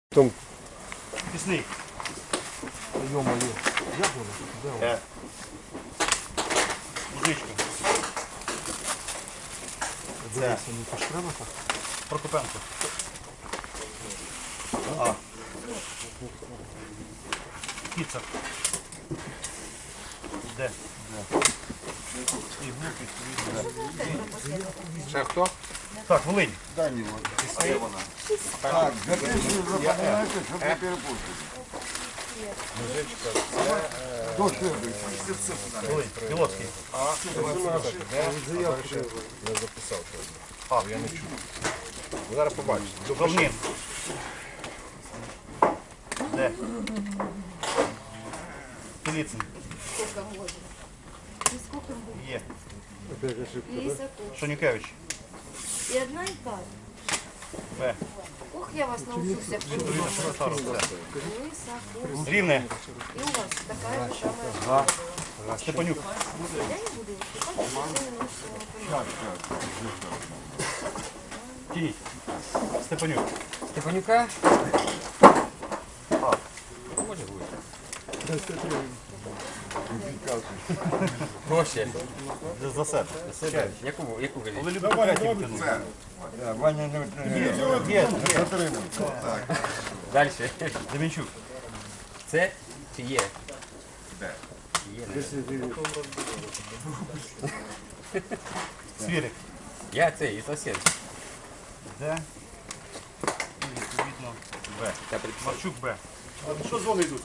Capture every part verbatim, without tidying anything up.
Там... Пісний. Ё-моё. Я буду. Да. Е. Музичка. Це. Не пошкреба так? Прокопенко. А. Кіцак. Де? Де? І глупість. Ще хто? Так, Волинь. Дані, а де вона? Так, записую, запам'ятайте, щоб не перепутати. Мужичка, Хто следующий? Волинь. Білоцький. заявку не записав. А, я не чую. Зараз побачите. Говнін. Де? Піліцин. Сколько можно? И сколько будет? Є. И Исаков. Шонюкевич. И одна и та. Б. Ох, я вас научусь. Исаков. Рівне. И у вас такая же самая. Степанюк. Я не буду выступать. Тяніть. Степанюк. Степанюка? А. Може бути. Проще. За себе. Яку, яку Ви говорите? любите третій втягнути? Це, Ваня не Є. затримав. Далі. Демінчук. Це чи є? Де? Є. не? Свірик. Я цей, і сосед. Де? І відповідно Б. Я приписав. Марчук Б. Що дзвони йдуть?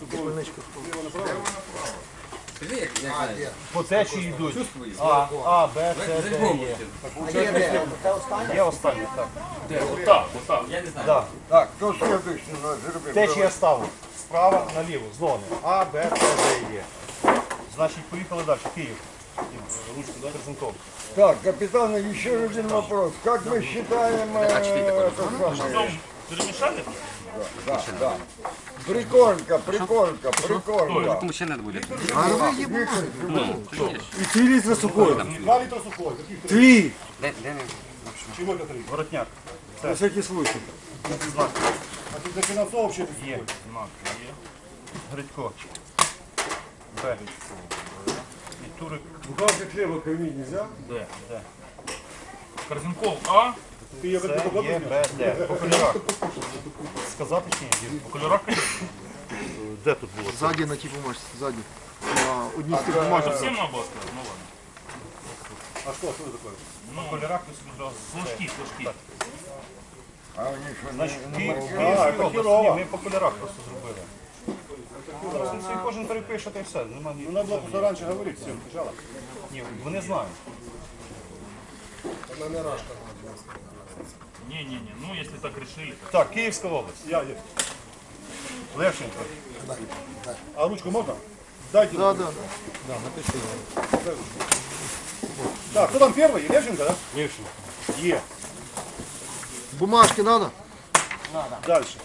Скажи, як як знаєш. По течії йдуть. Чувствую. А, А, Б, С, Д, По-любому. Е. Є останнє, так. Отак, отак. Я не знаю. Да. Так, хто следующий? Ну, зроби. Течія ставу. Справа наліво, зони. А, Б, С, Д, Е. Значить, поїхали далі. Київ. Ручку, да? Презентов. Так, капитан, еще один вопрос. Как мы считаем... э, это самое? Перемішати? Да, да. Приколька, приколька, приколька. Кому ще треба буде? І три літри сухої. Два літри сухої. Три. Де, де не? Чого це три? Воротняк. На всякий случай. Знак. А тут дофінансовував ще Є. Знак. Є. Гридько. Б. І Турик. Бухгалтерська хліба кормити нельзя? Д. Д. Корзинков А. Ти її Це як є Б, Д. По кольорах. Сказати чи ні? По кольорах? Де тут було? Сзади на типу можеш, ззаді. На одній з тих бумажок. Всім на баску? Ну ладно. А що, що це таке? По кольорах ви собі одразу. Флажки, флажки. А у них що, Значить, не- Київ, не- Київська це область. Кірова. Ні, ми по кольорах просто зробили. Зараз він собі кожен перепише, та й все. Нема ні. Ну, надо було просто раніше говорити всім. Спочатку. Ні, вони знають. Не-не-не, ну если так решили. Так, Київська область. Я є. Левченко. А ручку можна? Дайте. Да, да. Так, кто там первый? Левченко, да? Левченко. Е. Бумажки надо? Дальше.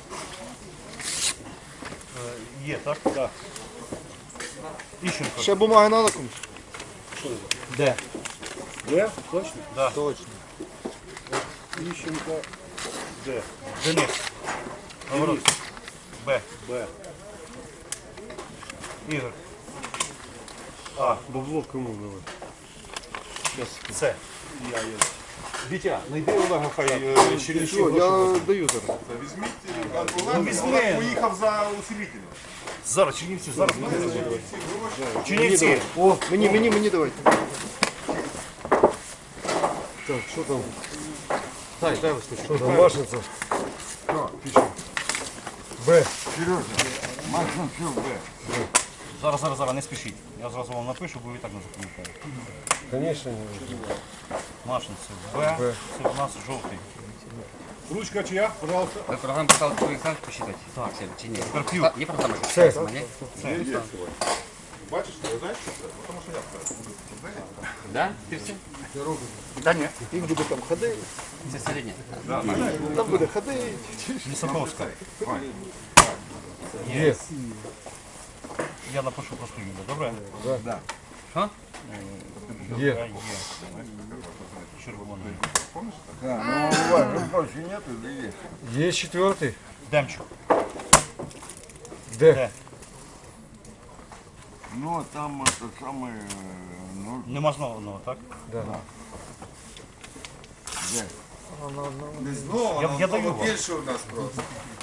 Е, Є, так? Да. Іщенко. Ще бумаги надо комусь? Де? Д? Точно? Да. Точно. Ищенко. Д. Денис. Говорот. Б. Б. Ігор. А, бабло кому давай? С. Я є. Вітя, знайди Олега, хай е, ще Все, я даю зараз. Ну, візьми. Поїхав за усилителем. Зараз, Чернівці, зараз буде. Чернівці. О, мені, мені, мені давайте. Так, що там? Дай, дай вискочу. Що там, Машинця? Б. Сережа, Машин все Б. Зараз, зараз, зараз, не спішіть. Я зразу вам напишу, бо ви і так не запам'ятаєте. Звісно. Машинці. Б. Це у нас жовтий. Ручка чья? Пожалуйста. Ви програму писали твій екзамен посчитати? Так. Чи ні? Карпюк. А, є програма? Все. Ні? Бачиш, ти знаєш, що це? Тому що я Да? Ти все? Та ні. Він буде там ходити, Це середнє. там буде ходити. Лісаковська. Є. Я напишу просто ім'я, добре? Що? Є. Є. Є. Червоний. Да, ну у вас же больше нету, или есть? Є четвертий. Демчук. Де? Ну, там это самое, э, ну, Нема знову, так? Да. где? Я, я даю вам. Більше у нас просто.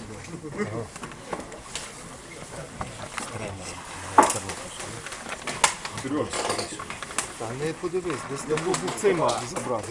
Та не подивись, десь там був цей мав забрати.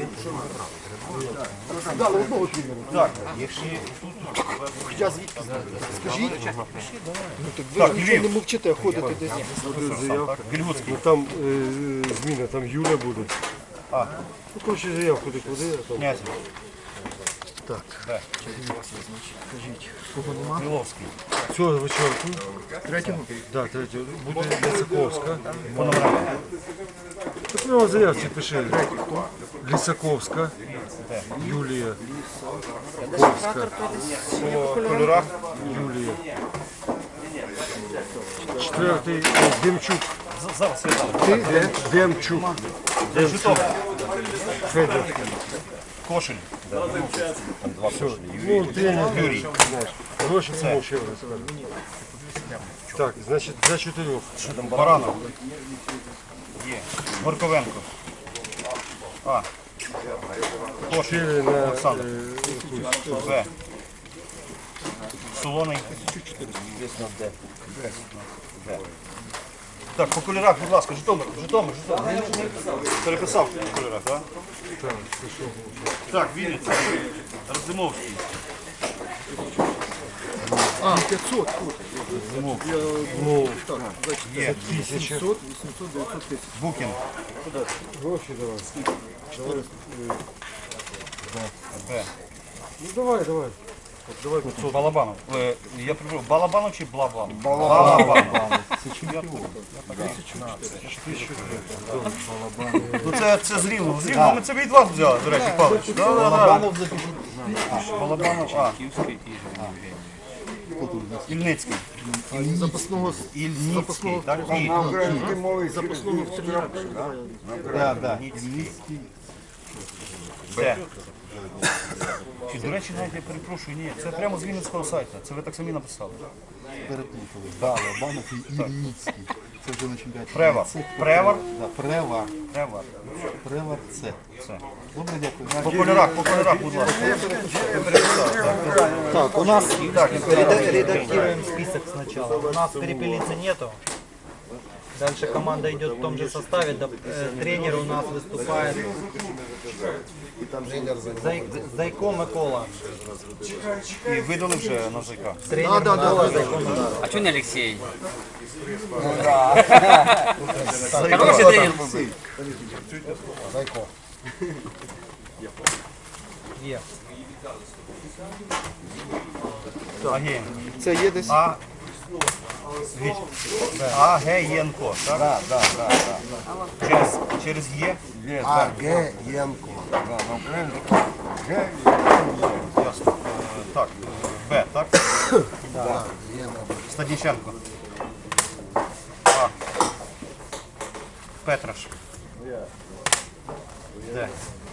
Дали одного тренера. Так, Хоча звідки знаєте? Скажіть. Ну так ви Так, ж нічого Львів. не мовчите, ходите десь. Буде заявка. Гільгутський. Ну там е, зміна, там Юля буде. А. Ну коротше заявку де куди, а там. Князь. Так. Де? Скажіть. Кого нема? Криловський. Цього вечірку. Третього? Так, третього. Буде Лисаковська. По номерам. Так прямо в заявці пиши. Лисаковська. Юлія. Ковська. По кольорах. Юлія. Четвертий е, Демчук. З- Зараз я дам. Ти Дем, Демчук. Житомир. Федор. Кошель. Ну, тренер Юрій. знаєш. Гроші тому ще раз скажу. Так, значить, за чотирьох. Баранов. Є. Горковенко. А. Кошель. Чотири на Олександр. е, Б. Солоний. Б. Так, по кольорах, будь ласка, Житомир, Житомир, Житомир. Переписав по кольорах, так? Так, Вінниця. Роздимовський. А, п'ятсот. Ну, Є. тисяча. Букін. Гроші давай. Давай. Б. Ну давай, давай. От давай п'ятсот. Балабанов. Е, Я прошу, Балабанов чи Блабан? Балабан. Ну це, це з Рівного. З Рівного ми це від вас взяли, до речі, Павлович. Балабанов запишіть. Балабанов, а. Ільницький. Запасного Ільницький, так? І. На украинской мове запасного в цьому. Да, да. Де? Чи, до речі, навіть я перепрошую, ні, це прямо з Вінницького сайту. Це ви так самі написали. Переплутали. Да, Лобанов і Ільницький. Це вже на чемпіонаті. Превар. Превар. Да, Превар. Превар. Превар це. Це. Добре, дякую. По кольорах, по кольорах, будь ласка. Так, у нас Так, реда- редактируем список сначала. У нас перепелицы нету. Дальше команда идет в том же составе. Да, э, тренер у нас выступает. Зай, Зайко Микола. і видали вже на ЗК. Тренер Микола Зайко Микола. А чого не Олексій? Зайко. Хороший тренер був. Є. Агєєнко. Це є десь? А. Агєєнко, так? Так, так, так, так. Через, через Є. Є, так. Агеєнко. Да, на українському. Ге. Ясно. Е, Так, Б, так? Стадніченко. А. Петраш. Д.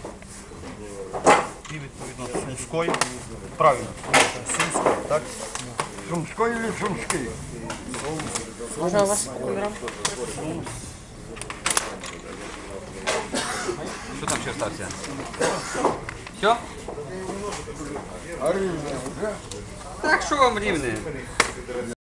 І відповідно Сумської. Правильно. Сумської, так? Сумской или Сумский? Можна у вас по кольорам? Що там ще стався? Все? А Рівне вже? Так що вам рівне?